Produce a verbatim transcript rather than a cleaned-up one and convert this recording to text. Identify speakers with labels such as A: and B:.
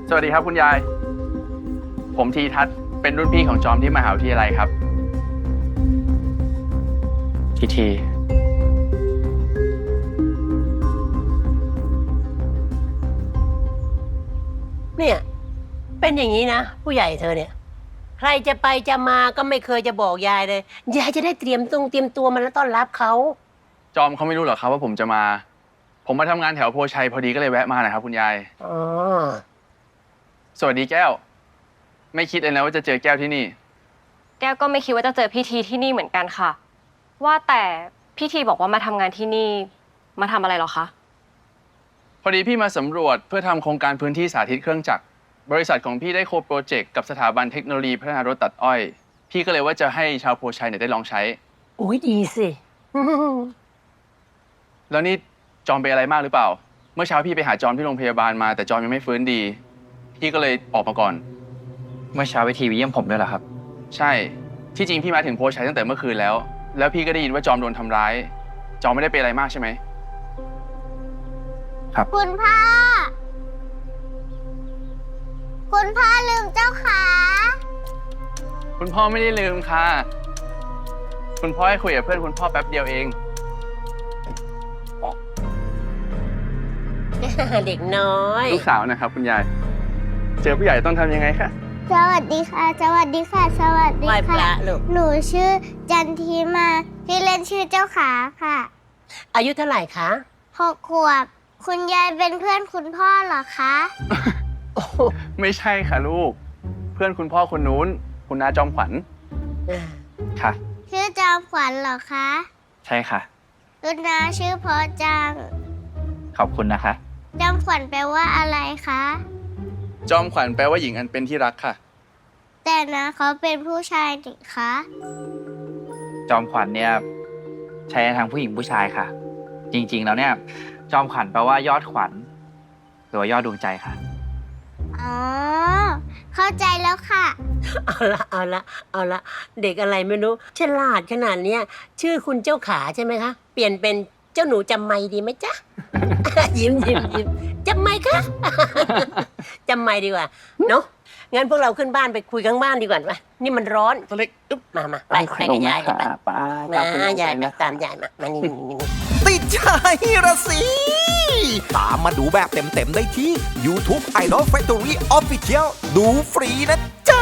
A: สวัสดีครับคุณยาย ผมทีทัศน์เป็นรุ่นพี่ของจอมที่มหาวิทยาลัยครับ ทีที
B: เนี่ยเป็นอย่างนี้นะผู้ใหญ่เธอเนี่ยใครจะไปจะมาก็ไม่เคยจะบอกยายเลยยายจะได้เตรียมตรงเตรียมตัวมาแล้วต้อนรับเขา
A: จอมเขาไม่รู้หรอกครับว่าผมจะมา ผมมาทำงานแถวโพชัยพอดีก็เลยแวะมานะครับคุณยาย
B: อ๋อ
A: สวัสดีแก้ว ไม่คิดเลยนะว่าจะเจอแก้วที่นี่
C: แก้วก็ไม่คิดว่าจะเจอพี่ทีที่นี่เหมือนกันค่ะว่าแต่พี่ทีบอกว่ามาทำงานที่นี่มาทำอะไรหรอคะ
A: พอดีพี่มาสำรวจเพื่อทำโครงการพื้นที่สาธิตเครื่องจักรบริษัทของพี่ได้โคโปรเจกต์กับสถาบันเทคโนโลยีพัฒนารถตัดอ้อยพี่ก็เลยว่าจะให้ชาวโพชัยเนี่ยได้ลองใช้
B: โอ้ยดีสิ
A: แล้วนี่จอมเป็นอะไรมากหรือเปล่า เมื่อเช้าพี่ไปหาจอมที่โรงพยาบาลมาแต่จอมยังไม่ฟื้นดี พี่ก็เลยออกมาก่อน
D: เมื่อเช้าวิทีเยี่ยมผมด้วยเหรอครับ
A: ใช่ที่จริงพี่มาถึงโพชัยตั้งแต่เมื่อคืนแล้ว แล้วพี่ก็ได้ยินว่าจอมโดนทำร้ายจอมไม่ได้เป็นอะไรมากใช่ไหม
D: ครับ
E: คุณพ่อคุณพ่อลืมเจ้าขา
A: คุณพ่อไม่ได้ลืมค่ะคุณพ่อให้คุยกับเพื่อนคุณพ่อแป๊บเดียวเอง
B: เด็กน้อย
A: ลูกสาวนะครับคุณยายเจอผู้ใหญ่ต้องทำยังไงคะ
E: สวัสดีค่ะ สวัสดีค่ะ สวัสดี
B: ไหว้พ
E: ค่ะ
B: ระลูก
E: หนูชื่อจันทีมาที่เล่นชื่อเจ้าขาค่ะ
B: อายุเท่าไหร่คะ
E: หกขวบคุณยายเป็นเพื่อนคุณพ่อเหรอคะ
B: โอ้โห
A: ไม่ใช่ค่ะลูก เพื่อนคุณพ่อคนนู้นคุณนาจอมขวัญ
D: ค่ะ
E: ชื่อจอมขวัญเหรอคะ
D: ใช่ค่ะ
E: คุณนาชื่อเพอจัง
D: ขอบคุณนะคะ
E: จอมขวัญแปลว่าอะไรคะ
A: จอมขวัญแปลว่าหญิงอันเป็นที่รักค่ะ
E: แต่นะเขาเป็นผู้ชายนี่คะ
D: จอมขวัญเนี่ยใช้ทางผู้หญิงผู้ชายค่ะ จริงๆแล้วเนี่ยจอมขวัญแปลว่ายอดขวัญหรือว่ายอดดวงใจค่ะ
E: อ๋อเข้าใจแล้วค่ะ
B: เอาละเอาละเอาละเด็กอะไรไม่รู้ฉลาดขนาดเนี้ยชื่อคุณเจ้าขาใช่ไหมคะเปลี่ยนเป็นเจ้าหนูจำไม่ดีไหมจ๊ะ ยิ้มยิ้มยิ้มจำไม่คะ จำไม่ดีกว่าเนาะงั้นพวกเราขึ้นบ้านไปคุยข้างบ้านดีกว่าปะนี่มันร้อน
A: ตัวเล็กอึ๊บ
B: มามาไปไปกับยายกันไป
A: ป้า
B: มา ยายมาตามยายมามานี่นี่นี่
F: ติดใจระสิ ตามมาดูแบบเต็มๆได้ที่ YouTube Idol Factory Official ดูฟรีนะจ๊ะ